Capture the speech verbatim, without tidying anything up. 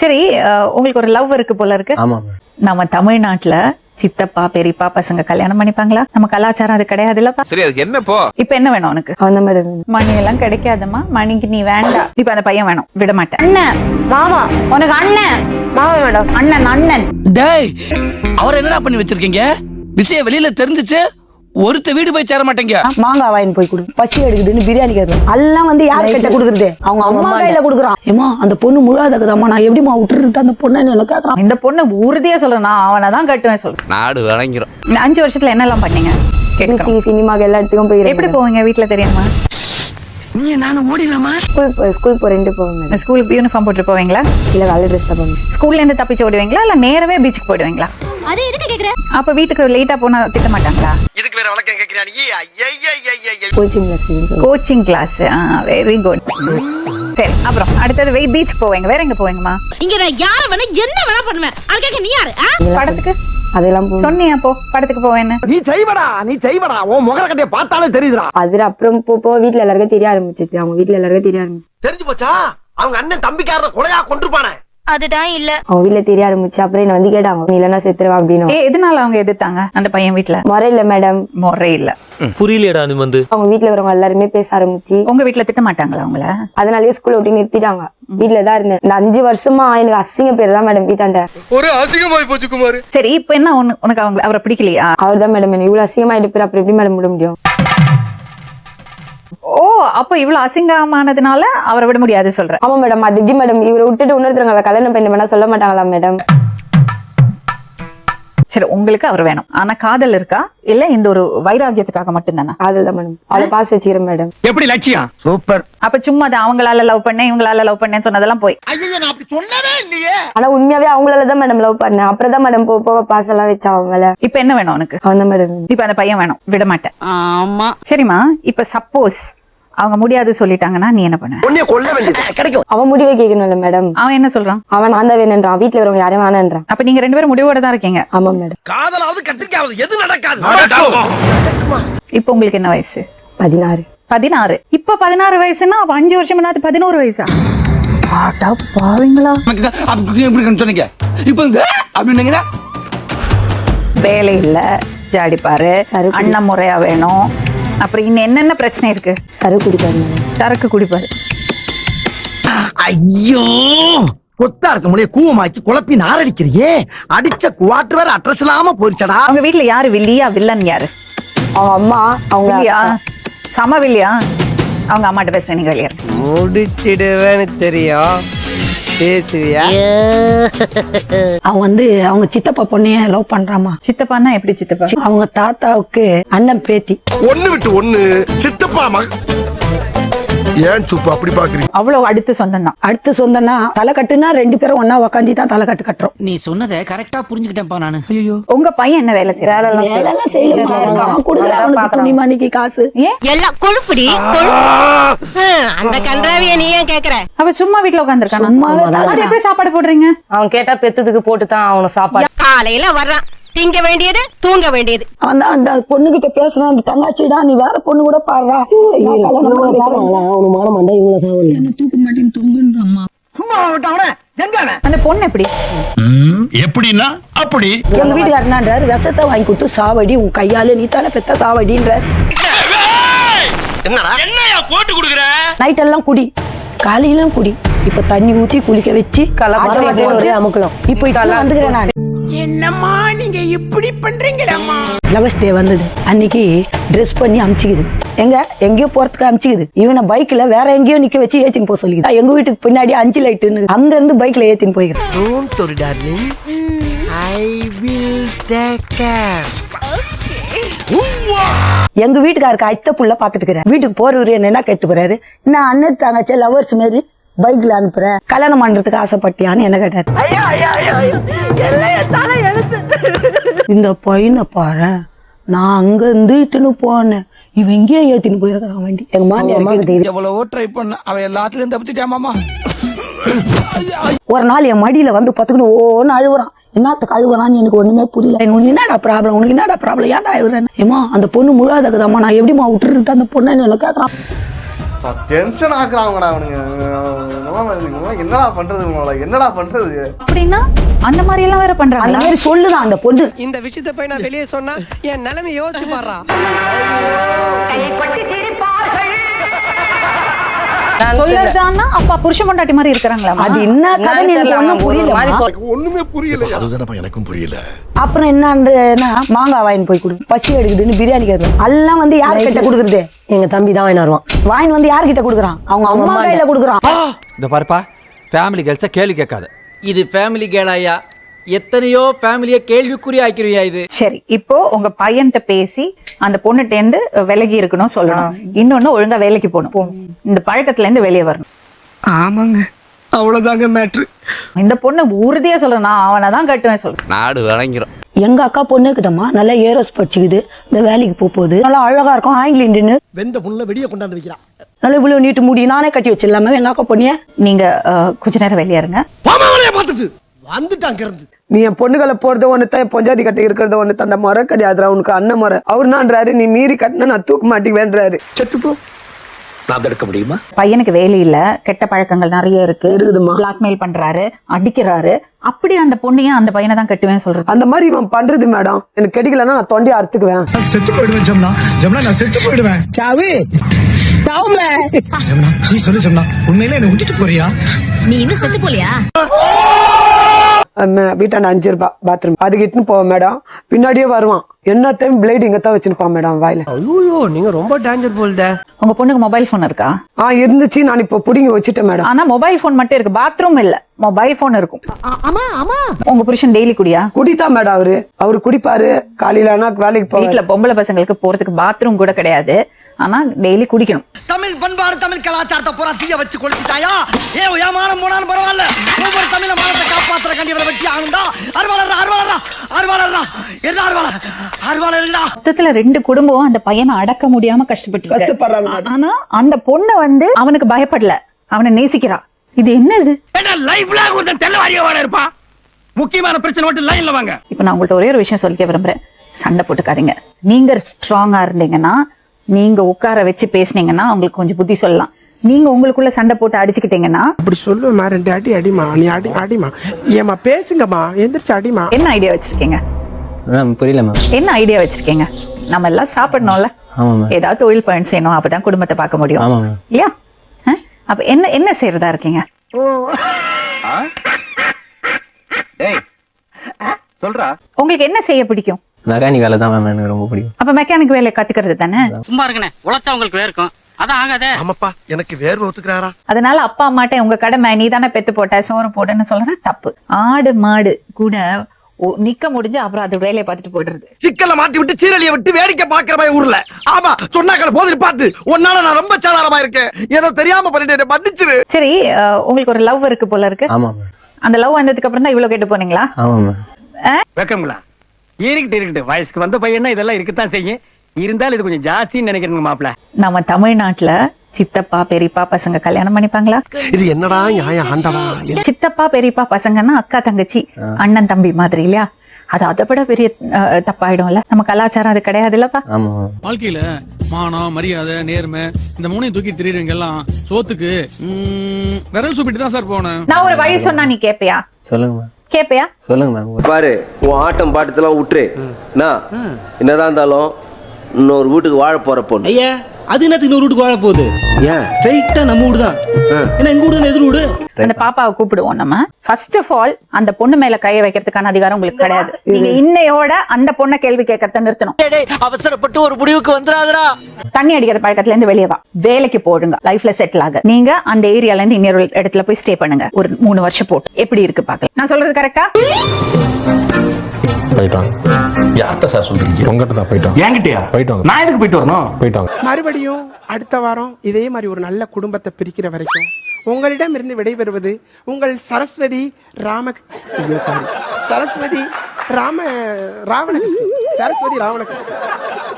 சரி, உங்களுக்கு ஒரு லவ் இருக்கு போல இருக்கு. ஆமா. நம்ம தமிழ்நாட்டுல சித்தப்பா பெரியப்பா பசங்க கல்யாணம் பண்ணிப்பாங்களா? நம்ம கலாச்சாரம் அது கிடையாது இல்லப்பா. சரி, அதுக்கு என்ன போ? இப்ப என்ன வேணும் உனக்கு? அந்த மேடம் மணி எல்லாம் கிடைக்காதம்மா, மணிக்கு நீ வேண்டாம். இப்ப அந்த பையன் வேணும், விட மாட்டேன். அண்ணன் மாமா, உனக்கு அண்ணன் மாமா மேடம், அண்ணன் அண்ணன். டேய், அவர் என்னடா பண்ணி வச்சிருக்கீங்க? விஷயம் வெளியில தெரிஞ்சிச்சு ஒருத்த வீடு போய் சேர மாட்டேங்க. மாங்காய் வாங்கி போய் கொடு, பசி எடுக்குதுன்னு பிரியாணி கேட்கணும். எல்லாம் வந்து யார் கிட்ட குடுக்குறது? அவங்க அம்மா கையில குடுக்குறான். ஏமா அந்த பொண்ணு முழாதக்குதாம்மா, நான் எப்படிமா விட்டுறது அந்த பொண்ணு என்ன கேட்கறான். இந்த பொண்ணு உறுதியா சொல்றேன், நான் அவனை தான் கட்டுவேன் சொல்றேன். நாடு வழங்கிறோம். இந்த அஞ்சு வருஷத்துல என்னெல்லாம் பண்ணீங்க? சினிமாக்கு எல்லா இடத்துக்கும் போய் எப்படி போவீங்க? வீட்டுல தெரியுமா? நீ நானும் ஓடிடலாமா? ஸ்கூல் ஸ்கூல் போறேன்ட்டு போவேன். ஸ்கூலுக்கு யூனிஃபார்ம் போட்டு போவீங்களா? இல்ல காலேஜ் ட்ரெஸ் தான் போவேன். ஸ்கூல்ல இருந்து தப்பிச்சு ஓடுவீங்களா இல்ல நேரவே பீச்சுக்கு போயிடுவீங்களா? அது எதுக்கு கேக்குற? அப்ப வீட்டுக்கு லேட்டா போனா திட்ட மாட்டாங்களா? இதுக்கு வேற வழக்கம் கேக்குறியா நீ? Coaching class. Coaching class. Very good. சரி, அப்புறம் அடுத்தது வெய் பீச் போவீங்க. வேற எங்க போவீங்கம்மா? இங்க நான் யார வேணா என்ன வேணா பண்ணுவேன். அதுக்கு நீ யாரு? படத்துக்கு அதெல்லாம் சொன்னியா? போ படத்துக்கு போவேன்னு. நீ செய்வடா, நீ செய்வடா. உன் முகர கட்டைய பார்த்தாலே தெரியுதுடா. அது அப்புறம் போ வீட்டுல எல்லாருக்கும் தெரிய ஆரம்பிச்சிச்சு. அவங்க வீட்டுல எல்லாருக்கும் தெரிய ஆரம்பிச்சு. தெரிஞ்சு போச்சா? அவங்க அண்ணன் தம்பிக்காரன கொலையா கொன்றுப்பானே. அதுதான் இல்ல. அவங்க வீட்டுல தெரிய ஆரம்பிச்சு. அப்புறம் என்ன வந்து கேட்டாங்க, நீ இல்லன்னா செத்துருவா அப்படின்னு. ஏ, எதனால அவங்க எதிர்த்தாங்க? அந்த பையன் வீட்டுல முறை இல்ல மேடம். முறை இல்ல. புரியலடா. அது வந்து அவங்க வீட்டுல வரவங்க எல்லாருமே பேச ஆரம்பிச்சு. உங்க வீட்டுல திட்ட மாட்டாங்களா அவங்கள? அதனாலயே ஸ்கூல்ல விட்டு நிறுத்திட்டாங்க. வீட்டுல தான் இருந்தேன். இந்த அஞ்சு வருஷமா எனக்கு அசிங்க பேர் தான் மேடம் வீட்டாண்ட. ஒரு அசிங்கமாய் போச்சு குமார். சரி, இப்ப என்ன உனக்கு அவங்க அவரை பிடிக்கலையா? அவர் தான் மேடம் என்ன இவ்வளவு அசிங்கமா எடுப்பாரு. அப்புறம் எப்படி மேடம் விட முடியும்? ஓ, அப்ப இவ்வளவு அசிங்கமானதுனால அவரை விட முடியாது சொல்ற? ஆமா மேடம். அது எப்படி மேடம் இவரை விட்டுட்டு இன்னொருத்தவங்க கல்யாணம் பண்ண வேணா சொல்ல மாட்டாங்களா மேடம்? சரி, உங்களுக்கு அவர் வேணும். ஆனா காதல் இருக்கா இல்ல இந்த ஒரு வைராகியத்துக்காக மட்டும்தானா? அதுதான் மேடம். அவளை பாஸ் வச்சுக்கிறேன் மேடம். எப்படி லட்சியம்? சூப்பர். அப்ப சும்மா தான் அவங்களால லவ் பண்ணேன் இவங்களால லவ் பண்ணேன்னு சொன்னதெல்லாம் போய். ஐயோ, நான் அப்படி சொன்னவே இல்லையே. ஆனா உண்மையாவே அவங்களாலதான் மேடம் லவ் பண்ணேன். அப்புறம் தான் மேடம் போக போக பாஸ் எல்லாம் வச்சா அவங்கள. இப்ப என்ன வேணும் உனக்கு? அவன் தான் மேடம். இப்ப அந்த பையன் வேணும், விட மாட்டேன். ஆமா. சரிம்மா, இப்ப சப்போஸ் அவங்க முடியாது சொல்லிட்டாங்கன்னா நீ என்ன பண்ண? உன்னைய கொல்ல வேண்டியது கிடைக்கும். அவன் முடிவை கேட்கணும்ல மேடம். அவன் என்ன சொல்றான்? அவன் நான் தான் வேணுன்றான். வீட்டுல வரவங்க யாரும் வேணான்றான். அப்ப நீங்க ரெண்டு பேரும் முடிவோட தான் இருக்கீங்க. ஆமா மேடம். காதலாவது கத்திரிக்காவது எது நடக்காது. இப்ப உங்களுக்கு என்ன வயசு? பதினாறு. பதினாறு. இப்ப பதினாறு வயசுன்னா அப்ப அஞ்சு வருஷம் என்ன பதினோரு வயசா? ஆட்டா பாவீங்களா? சொன்னீங்க இப்ப அப்படின்னீங்கன்னா வேலை இல்ல, ஜாடிப்பாரு, அண்ணன் முறையா வேணும். அப்புறம் இன்னும் என்னென்ன பிரச்சனை இருக்கு? சரக்கு குடிப்பாரு மேடம். சரக்கு குடிப்பாரு. ஐயோ, கொத்தா இருக்க முடிய கூவமாக்கி குழப்பி நாரடிக்கிறியே. அடிச்ச குவாட்டர் வேற அட்ரஸ் இல்லாம போயிடுச்சடா. அவங்க வீட்டுல யாரு வில்லியா வில்லன் யாரு? அவங்க அம்மா. அவங்க வில்லியா? சம வில்லியா? அவங்க அம்மாட்ட பேசுறேன், நீங்க வெளியே முடிச்சிடுவேன்னு தெரியும், பேசுவியா? அவன் வந்து அவங்க சித்தப்பா பொண்ணைய லவ் பண்றாமா. சித்தப்பான்னா எப்படி சித்தப்பா? அவங்க தாத்தாவுக்கு அண்ணன் பேத்தி. ஒண்ணு விட்டு ஒண்ணு சித்தப்பா மக. ஏன் சுப்பு அப்படி பாக்குறீங்க? அவ்வளவு அடுத்து சொந்தம் தான். அடுத்து சொந்தம்னா தலை கட்டுனா ரெண்டு பேரும் ஒன்னா உக்காந்து தான் தலை கட்டு கட்டுறோம். நீ சொன்னதை கரெக்டா புரிஞ்சுக்கிட்டேன்ப்பா நானு. ஐயோ, உங்க பையன் என்ன வேலை செய்யறாரு? துணிமணிக்கு காசு எல்லாம் கொழுப்புடி. அந்த கன்றாவிய நீ ஏன் கேக்குற? அவ சும்மா வீட்டுல உட்காந்துருக்கான். அது எப்படி சாப்பாடு போடுறீங்க? அவன் கேட்டா பெத்ததுக்கு போட்டுதான் அவனுக்கு சாப்பாடு. காலையில வர்றான், திங்க வேண்டியது தூங்க வேண்டியது. அவன் தான் அந்த பொண்ணு கிட்ட பேசுறான். அந்த தங்காச்சிடா, நீ வேற பொண்ணு கூட பாடுறா. தூக்க மாட்டேன்னு தூங்குன்றாம்மா. சும்மா விட்டாவன எங்க அவன்? அந்த பொண்ணு எப்படி? எப்படின்னா அப்படி. எங்க வீட்டுக்காரனான்றாரு, விஷத்தை வாங்கி கொடுத்து சாவடி, உன் கையால நீ தானே பெத்த சாவடின்ற. என்னடா என்னையா போட்டு குடுக்குற? நைட் எல்லாம் குடி, காலையிலும் குடி. இப்ப தண்ணி ஊத்தி குளிக்க வச்சு அமுக்கலாம். இப்ப இதெல்லாம் வந்துக்கிறேன் நான். என்னம்மா நீங்க இப்படி பண்றீங்களம்மா? லவர்ஸ் டே வந்தது அன்னைக்கு ட்ரெஸ் பண்ணி அமிச்சுக்குது. எங்க எங்கேயோ போறதுக்கு அமிச்சுக்குது. இவனை பைக்ல வேற எங்கேயோ நிக்க வச்சு ஏத்தின்னு போக சொல்லிக்குது. எங்க வீட்டுக்கு பின்னாடி அஞ்சு லைட்டு அங்க இருந்து பைக்ல ஏத்தின்னு போய்க்கிறேன். Don't worry darling, I will take care. எங்க வீட்டுக்காருக்கு அத்தை புள்ள பாத்துட்டு இருக்கிறேன். வீட்டுக்கு போறவரு என்ன கேட்டு போறாரு, நான் அண்ணன் தங்கச்சி லவர்ஸ் மாதிரி பைக்ல அனுப்புறேன், கல்யாணம் பண்றதுக்கு ஆசைப்பட்டியான்னு என்ன கேட்டாரு. இந்த பையனை பாரு, நான் அங்க இருந்து இட்டுன்னு போனேன், இவன் எங்கேயே ஏத்தின்னு போயிருக்கான் வண்டி. எங்க மாமியார் எவ்வளவோ ட்ரை பண்ண, அவன் எல்லாத்துலயும் தப்பிச்சுட்டாமாமா. ஒரு நாள் என் மடியில வந்து பத்துக்கணும் ஓன்னு அழுகுறான். என்னத்துக்கு அழுகுறான்னு எனக்கு ஒண்ணுமே புரியல. உனக்கு என்னடா ப்ராப்ளம், உனக்கு என்னடா ப்ராப்ளம், ஏன்டா அழுகுறேன்? ஏமா அந்த பொண்ணு முழாதக்குதாம்மா, நான் எப்படிமா விட்டுறது அந்த பொண்ணு என்ன கேட்கறான். டென்ஷன் ஆக்குறாங்கடா அவனுங்க. என்னடா பண்றது உங்களோட, என்னடா பண்றது? அப்படின்னா அந்த மாதிரி எல்லாம் வேற அந்த பண்றாங்க. மாதிரி சொல்லுதான் அந்த பொண்ணு. இந்த விஷயத்தை போய் நான் வெளியே சொன்னா என் நிலைமை யோசிச்சு பாடுறா. சொல்லறதான்னா அப்பா புருஷ பொண்டாட்டி மாதிரி இருக்கிறாங்களா? அது என்ன கதைன்னு எனக்கு ஒண்ணும் புரியல. ஒண்ணுமே புரியல. அதுதானப்பா எனக்கும் புரியல. அப்புறம் என்னன்னா மாங்காய் வாங்கி போய் கொடு, பசி எடுக்குதுன்னு பிரியாணி கேட்கலாம். எல்லாம் வந்து யார் கிட்ட கொடுக்குறது? எங்க தம்பி தான் வாங்கி வருவான். வாங்கி வந்து யார் கிட்ட கொடுக்குறான்? அவங்க அம்மா கையில கொடுக்குறான். இந்த பாருப்பா, ஃபேமிலி கேர்ள்ஸை கேள்வி கேட்காத. இது ஃபேமிலி கேளாயா? எத்தனையோ ஃபேமிலியை கேள்விக்குறி ஆக்கிருவியா இது? சரி, இப்போ உங்க பையன்கிட்ட பேசி அந்த பொண்ணுட்ட இருந்து விலகி இருக்கணும் சொல்லணும். இன்னொன்னு ஒழுங்கா வேலைக்கு போகணும். இந்த பழக்கத்துல இருந்து வெளியே வரணும். ஆமாங்க, அவ்வளவுதாங்க மேட்ரு. இந்த பொண்ணு உறுதியா சொல்றேன், நான் அவனை தான் கட்டுவேன் சொல்றேன். நாடு வழங்கிறோம். எங்க அக்கா பொண்ணு இருக்குதம்மா, நல்லா ஏரோஸ் படிச்சுக்குது, இந்த வேலைக்கு போக போகுது, நல்லா அழகா இருக்கும், ஆங்கில இண்டின்னு வெந்த புண்ணுல வெடிய கொண்டாந்து வைக்கிறான். நல்லா இவ்வளவு நீட்டு முடி நானே கட்டி வச்சிடலாமே எங்க அக்கா பொண்ணிய. நீங்க அஹ், கொஞ்ச நேரம் வெளியே இருங்க. வந்துட்டாங்க இருந்து. நீ என் பொண்ணுகளை போறது ஒண்ணுதான், என் பொஞ்சாதி கட்டி இருக்கிறது ஒண்ணு தண்ட முறை கிடையாதுரா. உனக்கு அண்ணன் முறை அவருனான்றாரு, நீ மீறி கட்டினா நான் தூக்க மாட்டேங்குவேன்றாரு. செத்துப்போ, நான் தடுக்க முடியுமா? பையனுக்கு வேலை இல்ல, கெட்ட பழக்கங்கள் நிறைய இருக்கு, இருக்குதுமா. பிளாக்மெயில் பண்றாரு, அடிக்கிறாரு. அப்படி அந்த பொண்ணையும் அந்த பையனை தான் கட்டுவேன்னு சொல்றது. அந்த மாதிரி இவன் பண்றது மேடம், எனக்கு கிடைக்கலன்னா நான் தொண்டையை அறுத்துக்குவேன். செத்து போயிடுவேன் ஜம்னா. ஜம்னா நான் செத்து போயிடுவேன். சாவு சாவுல. ஜம்னா நீ சொல்லு ஜம்னா, உண்மையில என்ன விட்டுட்டு போறியா? நீ இன்னும் செத்து போலியா? வீட்டாண்ட அஞ்சு ரூபாய் பாத்ரூம், அதுக்கு இட்டுன்னு போவேன் மேடம். பின்னாடியே வருவான், என்ன டைம் பிளேட் இங்க தான் வச்சிருப்பான் மேடம் வாயில. ஐயோ, நீங்க ரொம்ப டேஞ்சர் போல்த. உங்க பொண்ணுக்கு மொபைல் போன் இருக்கா? ஆ இருந்துச்சு, நான் இப்ப புடிங்கி வச்சுட்டேன் மேடம். ஆனா மொபைல் போன் மட்டும் இருக்கு, பாத்ரூம் இல்ல. மொபைல் போன் இருக்கும். உங்க புருஷன் டெய்லி குடியா? குடித்தான் மேடம் அவரு. அவரு குடிப்பாரு, காலையில ஆனா வேலைக்கு போவாரு. வீட்டுல பொம்பளை பசங்களுக்கு போறதுக்கு பாத்ரூம் கூட கிடையாது, ஆனா டெய்லி குடிக்கணும். தமிழ் பண்பாடு தமிழ் கலாச்சாரத்தை பூரா தீய வச்சு கொளுத்திட்டாயா? ஏ ஏமானம் போனாலும் பரவாயில்ல, ஒவ்வொரு தமிழ மானத்தை காப்பாத்துற கண்டி இவரை வெட்டி ஆகுண்டா. அறுவாளர் அறுவாளர் அறுவாளர் என்ன அறுவாளர் அறுவாளர்டா. மொத்தத்துல ரெண்டு குடும்பம் அந்த பையனை அடக்க முடியாம கஷ்டப்பட்டு கஷ்டப்படுறாங்க மேடம். ஆனா அந்த பொண்ணு வந்து அவனுக்கு பயப்படல, அவனை நேசிக்கிறா. இது என்ன இது? லைஃப்ல ஒரு தெல்லவாரியோட இருப்பா. முக்கியமான பிரச்சனை மட்டும் லைன்ல வாங்க. இப்ப நான் உங்கள்ட்ட ஒரே ஒரு விஷயம் சொல்லிக்க விரும்புறேன். சண்டை போட்டுக்காதீங்க. நீங்க ஸ்ட்ராங்கா இருந்தீங்கன்னா, நீங்க உட்கார வச்சு பேசுனீங்கன்னா உங்களுக்கு கொஞ்சம் புத்தி சொல்லலாம். நீங்க உங்களுக்குள்ள சண்டை போட்டு அடிச்சுக்கிட்டீங்கன்னா அப்படி சொல்லுமா, ரெண்டு அடி அடிமா, நீ அடி அடிமா, ஏமா பேசுங்கம்மா, எந்திரிச்சு அடிமா. என்ன ஐடியா வச்சிருக்கீங்க? புரியல மேம். என்ன ஐடியா வச்சிருக்கீங்க? நம்ம எல்லாம் சாப்பிடணும்ல, ஏதாவது தொழில் பயன் செய்யணும், அப்பதான் குடும்பத்தை பார்க்க முடியும் இல்லையா? அஹ்? அப்ப என்ன என்ன செய்யறதா இருக்கீங்க? சொல்றா, உங்களுக்கு என்ன செய்ய பிடிக்கும்? மெக்கானிக் வேலை தான் மேம் எனக்கு ரொம்ப பிடிக்கும். அப்ப மெக்கானிக் வேலை கத்துக்கிறது தானே. சும்மா இருக்கனே, உழைச்சா உங்களுக்கு வேர்க்கும், அதான் ஆகாதே. ஆமாப்பா, எனக்கு வேர்வை ஒத்துக்கிறாரா? அதனால அப்பா அம்மாட்ட உங்க கடமை, நீ தானே பெத்து போட்ட, சோறு போடுன்னு சொல்றது தப்பு. ஆடு மாடு கூட ஒ- நிக்க முடிஞ்சு அப்புறம் அது வேலையை பார்த்துட்டு போயிடுறது. சிக்கல மாட்டி விட்டு சீரழிய விட்டு வேடிக்கை பாக்குற மாதிரி ஊர்ல. ஆமா சொன்னாக்கள் போதில் பார்த்து உன்னால நான் ரொம்ப சாதாரணமா இருக்கேன், ஏதோ தெரியாம பண்ணிட்டு மன்னிச்சிரு. சரி, அஹ், உங்களுக்கு ஒரு லவ் இருக்கு போல இருக்கு. ஆமா மேம். அந்த லவ் வந்ததுக்கு அப்புறம் தான் இவ்வளவு கேட்டு போனீங்களா? ஆமா மேம். வெக்கங்களா? இருக்கட்டு இருக்கட்டு, வயசுக்கு வந்த பையனா இதெல்லாம் இருக்கத்தான் செய்யும். இருந்தாலும் இது கொஞ்சம் ஜாஸ்தின்னு நினைக்கிறேங்க மாப்பிள்ள. நம்ம தமிழ்நாட்டுல சித்தப்பா பெரியப்பா பசங்க கல்யாணம் பண்ணிப்பாங்களா? இது என்னடா நியாயம் ஆண்டவா? சித்தப்பா பெரியப்பா பசங்கன்னா அக்கா தங்கச்சி அண்ணன் தம்பி மாதிரி இல்லையா? அது அதை விட பெரிய அஹ், தப்பாயிடும்ல. நம்ம கலாச்சாரம் அது கிடையாது இல்லப்பா. ஆமா. வாழ்க்கையில மானம், மரியாதை, நேர்மை இந்த மூணையும் தூக்கி திரியுறவங்க எல்லாம் சோத்துக்கு ம், விரல் சூப்பிட்டு தான் சார் போனேன். நான் ஒரு வழி சொன்னா நீ கேப்பியா? சொல்லுங்க மேம். கேப்பியா? சொல்லுங்க மேம். பாரு, உன் ஆட்டம் பாட்டத்தெல்லாம் விட்டுரு. என்னதான் இருந்தாலும் இன்னொரு வீட்டுக்கு வாழ போற பொண்ணு. ஐயா, அது என்னத்துக்கு இன்னொரு வீட்டுக்கு வாழ போகுது? ஏன் ஸ்ட்ரைட்டா நம்ம வீடு தான். ஏன்னா எங்க வீடு தான் எதிர் வீடு. அந்த பாப்பாவை கூப்பிடுவோம் நம்ம. ஃபர்ஸ்ட் ஆஃப் ஆல் அந்த பொண்ணு மேல கைய வைக்கிறதுக்கான அதிகாரம் உங்களுக்கு கிடையாது. நீங்க இன்னையோட அந்த பொண்ணை கேள்வி கேட்கறத நிறுத்தணும். அவசரப்பட்டு ஒரு முடிவுக்கு வந்துடாதடா. தண்ணி அடிக்கிற பழக்கத்துல இருந்து வெளியே வா, வேலைக்கு போடுங்க, லைஃப்ல செட்டில் ஆக. நீங்க அந்த ஏரியால இருந்து இன்னொரு இடத்துல போய் ஸ்டே பண்ணுங்க ஒரு மூணு வருஷம் போட்டு. எப்படி இருக்கு பாக்கலாம். நான் சொல்றது கரெக்டா? போயிட்டாங்க. யார்கிட்ட சார் சொல்றீங்க? உங்ககிட்ட தான் போயிட்டாங்க. என்கிட்டயா? போயிட்டாங்க. நான் எதுக்கு போயிட்டு வரணும்? போயிட்டாங்க. மறுபடியும் அடுத்த வாரம் இதே மாதிரி ஒரு நல்ல குடும்பத்தை பிரிக்கிற வரைக்கும் உங்களிடம் இருந்து விடைபெறுவது உங்கள் சரஸ்வதி ராம ஐயோ சாரி சரஸ்வதி ராம ராவணகிருஷ்ணன் சரஸ்வதி ராவணகிருஷ்ணன்.